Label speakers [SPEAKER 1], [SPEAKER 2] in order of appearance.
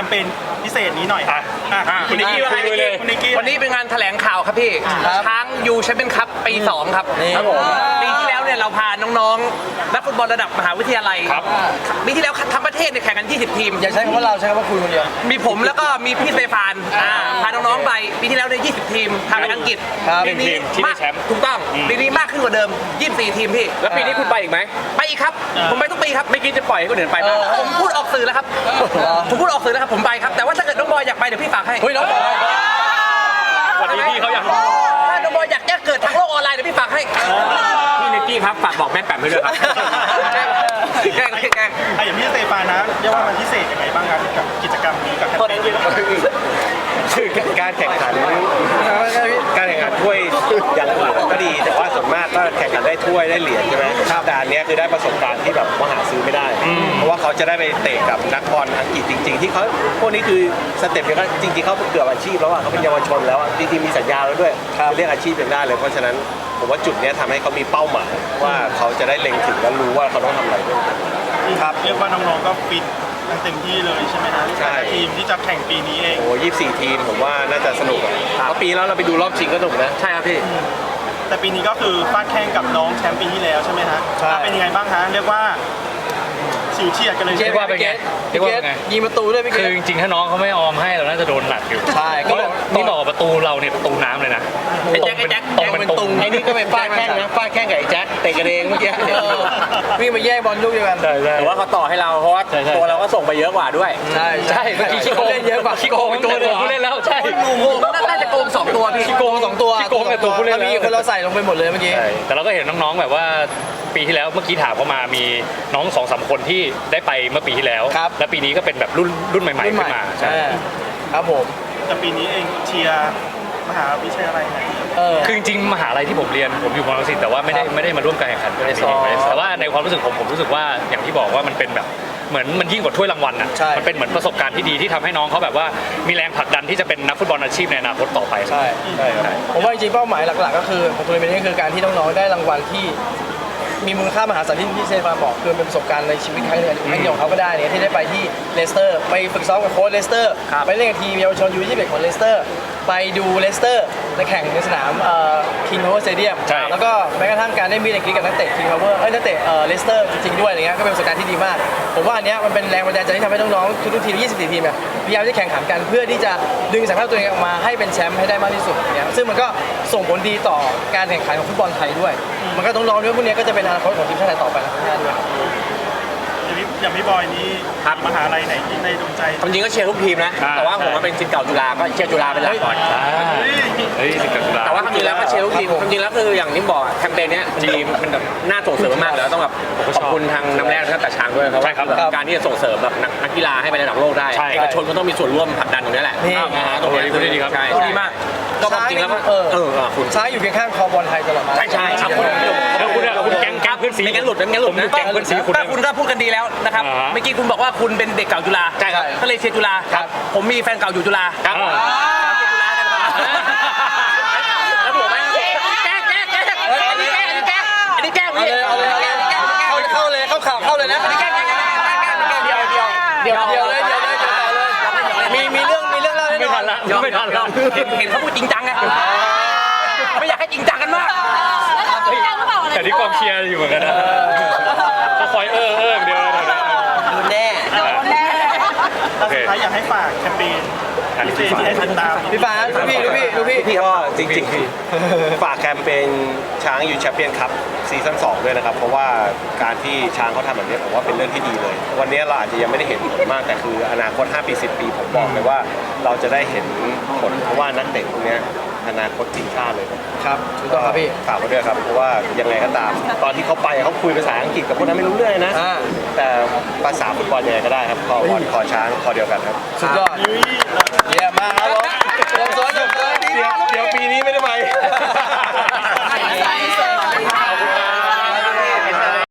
[SPEAKER 1] มเปญพิเศษนี้หน่อย
[SPEAKER 2] คุณนิกกี้ว่าไงวันนี้เป็นงานแถลงข่าวครับพี่ช้างยูแชมเปี้ยนคัพปี 2ครับปีที่แล้วเนี่ยเราพาน้องๆนักฟุตบอลระดับมหาวิทยาลัยปีที่แล้วทั้งประเทศเนี่ยแข่งกัน20 ทีม
[SPEAKER 3] อย่าใช้คำว่าเราใช้คำว่าคุณคนเดียว
[SPEAKER 2] มีผมแล้วก็มีพี่เซฟานพาน้องๆไปปีที่แล้วเนี่ย20 ทีมทางไปอังกฤษปีนี้ที่ได้แชมป์ถูกต้องปีนี้มากขึ้นกว่าเดิม24 ทีมพี่
[SPEAKER 4] แล้วปีนี้คุณไปอีกไหม
[SPEAKER 2] ไปอีกครับผมไปทุกปีครับ
[SPEAKER 4] ไม่คิดจะปล่อยให้คนอื่นไปบ้าง
[SPEAKER 2] ผมพูดออกสื่อแล้วครับผมพูดออกสื่อแล้วครับผมไปครับแต่ว่าถ้าเกิดน้องบอยอยากไปเดี๋ยวพี่ฝากให้
[SPEAKER 3] เฮ้ยน้องบอย
[SPEAKER 4] วันนี้พี่เขาอยาก
[SPEAKER 2] ถ้าน้องบอยอยากแจ้งเกิดทางโลกออนไลน์เดี๋ยวพี่ฝากให้
[SPEAKER 4] พี่นิกกี้ครับฝากบอกแม่แปมให้ด้วยครับ
[SPEAKER 2] แกล้ง
[SPEAKER 1] อย่างพี่สเตฟานนะเรียกว่ามันพิเศษยังไงบ้างครับกับกิจกรรมนี้กับแคมเปญ
[SPEAKER 5] คือการแข่งขันถ้วยอย่างอื่นก็ดีแต่ว่าส่วนมากก็แข่งขันได้ถ้วยได้เหรียญใช่ไหมแต่อันนี้คือได้ประสบการณ์ที่แบบมหาซื้อไม่ได้เพราะว่าเขาจะได้ไปเตะกับนักบอลอังกฤษจริงๆที่เขาพวกนี้คือสเต็ปเนี่ยก็จริงๆเขาเกือบอาชีพแล้วอ่ะเขาเป็นเยาวชนแล้วจริงๆมีสัญญาแล้วด้วยเรียกอาชีพเป็นได้เลยเพราะฉะนั้นผมว่าจุดนี้ทำให้เขามีเป้าหมายว่าเขาจะได้เล็งถึงและรู้ว่าเขาต้องทำอะไร
[SPEAKER 1] ครับเรียกว่าน้องๆก็ฟิตกันเต็มที่เลยใช่ไหมนะทีมที่จะแข่งปีนี้เอง
[SPEAKER 5] โอ้24 ทีมผมว่าน่าจะสนุกเพราะปีแล้วเราไปดูรอบชิงก็สนุกนะ
[SPEAKER 4] ใช่ครับพี่
[SPEAKER 1] แต่ปีนี้ก็คือฟาดแข่งกับน้องแชมป์ปีที่แล้วใช่ไหมฮะเป็นยังไงบ้างฮะเรียกว่าฉิวเฉียดกันเลย
[SPEAKER 3] เรียกว่าเป็นไงยิงประตูด้วยพี่เกศ
[SPEAKER 6] คือจริงๆถ้าน้องเขาไม่ออมให้เราน่าจะโดนหนักอยู่
[SPEAKER 3] ใช่
[SPEAKER 6] เพราะนี่บอกประตูเราเนี่ยประตูน้ำเลยนะ
[SPEAKER 2] แจ็ค
[SPEAKER 3] เป็นตุงไอ้นี่ก็เป็นฟาดแข้งนะฟาดแข้งกับไอ้แจ็คเตะกันเองเมื่อกี้วิ่งมาแย่งบอลลูกเดียวกัน
[SPEAKER 4] แต่ว่าเขาต่อให้เราเพราะว่าตัวเราก็ส่งไปเยอะกว่าด้วย
[SPEAKER 3] ใช่เมื่อกี้ขี้โกงเล่นเยอะกว่า
[SPEAKER 6] ขี้โกงตัวเดียวผู้เล่นแล้วใช่
[SPEAKER 2] น่าจะโกง2 ตัวพี่
[SPEAKER 3] ขี้โกง2 ตัว
[SPEAKER 6] ขี้โกงแต่ตัวผู้เล่น
[SPEAKER 3] มีคนเราใส่ลงไปหมดเลยเมื่อกี้
[SPEAKER 6] แต่เราก็เห็นน้องๆแบบว่าปีที่แล้วเมื่อกี้ถามเขามามีน้อง 2-3 คนที่ได้ไปเมื่อปีที่แล้วและปีนี้ก็เป็นแบบรุ่นใหม่ๆขึ้นมาใช่
[SPEAKER 3] ครับผม
[SPEAKER 1] แต่ปีนี้เองเชียร์มหาวิทยาลัยไหน
[SPEAKER 6] คือจริงๆมหาลัยที่ผมเรียนผมอยู่มอลังสิตแต่ว่าไม่ได้มาร่วมการแข่งขันก็ได้แต่ว่าในความรู้สึกผมรู้สึกว่าอย่างที่บอกว่ามันเป็นแบบเหมือนมันยิ่งกว่าถ้วยรางวัลอ่ะมันเป็นเหมือนประสบการณ์ที่ดีที่ทำให้น้องเขาแบบว่ามีแรงผลักดันที่จะเป็นนักฟุตบอลอาชีพในอนาคตต่อไป
[SPEAKER 3] ใช่ผมว่าจริงๆเป้าหมายหลักๆก็คือของทัวร์นาเมนต์นี้คือการที่น้องๆได้รางวัลที่มีมูลค่ามหาศาลที่พี่เซฟานบอกคือเป็นประสบการณ์ในชีวิตครั้งหนึ่งของเขาก็ได้เนี่ยที่ได้ไปที่เลสเตอร์ไปฝึกซ้อมกับโค้ชเลสเตอร์ไปเล่นกับทีมเยาวชนยู21ของเลสเตอร์ไปดูเลสเตอร์ในแข่งในสนามคิงพาวเวอร์สเตเดียมแล้วก็แม้กระทั่งการได้มีดในคลิกกับนักเตะคิงพาวเวอร์นักเตะเลสเตอร์จริงๆด้วยอะไรเงี้ยก็เป็นประสบการณ์ที่ดีมากผมว่าอันเนี้ยมันเป็นแรงบันดาลใจที่ทำให้น้องๆทุกทีม24 ทีมเนี่ยพยายามที่แข่งขันกันเพื่อที่จะดึงศักยภาพตัวเองออกมาให้เป็นแชมป์ให้ได้มากที่สุดเนี่ยซึ่งมันก็ส่งผลดีต่อการแข่งขันของฟุตบอลไทยด้วยมันก็ต้องรอด้วยพวกนี้ก็จะเป็นอนาคตของทีมชาติไทยต่อไปนะท่านด้วย
[SPEAKER 1] อย่างพี่บอยนี่มหาลัยไหนที่ในดวงใจ
[SPEAKER 4] จริงๆก็เชียร์ทุกทีมนะแต่ว่าผมเป็นศิษย์เก่าจุฬาก็เชียร์จุฬาเป็นหลักก่อนแต่ว่าจริงๆแล้วก็เชียร์ทุกทีมจริงๆแล้วคืออย่างที่บอกแคมเปญนี้จริงๆมันแบบน่าส่งเสริมมากแล้วต้องแบบขอบคุณทางน้ำแร่ท่านตาช้างด้วยเพราะว่าการที่จะส่งเสริมแบบนักกีฬาให้ไประดับโลกได้เอกชนก็ต้องมีส่วนร่วมผลักดันตรงนี้แหละตรงนี้ดีครับดีมากก็จริงแล้วก็
[SPEAKER 3] คุณช้างอยู่เคียงข้างคอบอลไทยตลอดมา
[SPEAKER 4] ใช่ครับ
[SPEAKER 6] คุณแก๊งเพื่อนสี
[SPEAKER 2] ไม่งั้นหลุดนะถ้าคุณก็พูดกันดีแล้วนะครับเมื่อกี้คุณบอกว่าคุณเป็นเด็กเก่าจุฬา
[SPEAKER 4] ใช่ครับ
[SPEAKER 2] ก็เลยเชียร์จุฬาผมมีแฟนเก่าอยู่จุฬา
[SPEAKER 4] ครับแล้วผมไม่
[SPEAKER 2] แก้อันนี้แก้เข้าเลยนะอันนี้แก้เดี๋ยวเลยมีเรื่องเล่า
[SPEAKER 6] ไม่ทันแล้ว
[SPEAKER 2] เห็นเขาพูดจริงจังไงไม่อยากให้จริงจังกันมาก
[SPEAKER 6] แต่ที่กองเชียร์อยู่เหมือนกันนะเขาคอยเดียวเลย
[SPEAKER 2] ดูแน่
[SPEAKER 1] สุดท้ายอยากให้ฝากแคมเปญที่ให้ติดตาม
[SPEAKER 3] พี่ฟ้าดูพี่
[SPEAKER 5] ก็จริงๆฝากแคมเปญช้างยูแชมเปี้ยนคัพซีซั่น2ด้วยนะครับเพราะว่าการที่ช้างเขาทำแบบนี้ผมว่าเป็นเรื่องที่ดีเลยวันนี้เราอาจจะยังไม่ได้เห็นผลมากแต่คืออนาคต5 ปี 10 ปีผมบอกเลยว่าเราจะได้เห็นผลเพราะว่านักเตะพวกนี้อนาคตทีมชาติเลย
[SPEAKER 3] ครับถูกต้องครับพี่
[SPEAKER 5] ฝากไว้ด้วยครับเพราะว่ายังไงก็ตามตอนที่เขาไปเขาคุยภาษาอังกฤษกับพวกนั้นไม่รู้เรื่องนะแต่ภาษาฟุตบอลยังไงก็ได้ครับคอช้างคอเดียวกันครับ
[SPEAKER 3] สุดยอดเยี่ยมมากครับ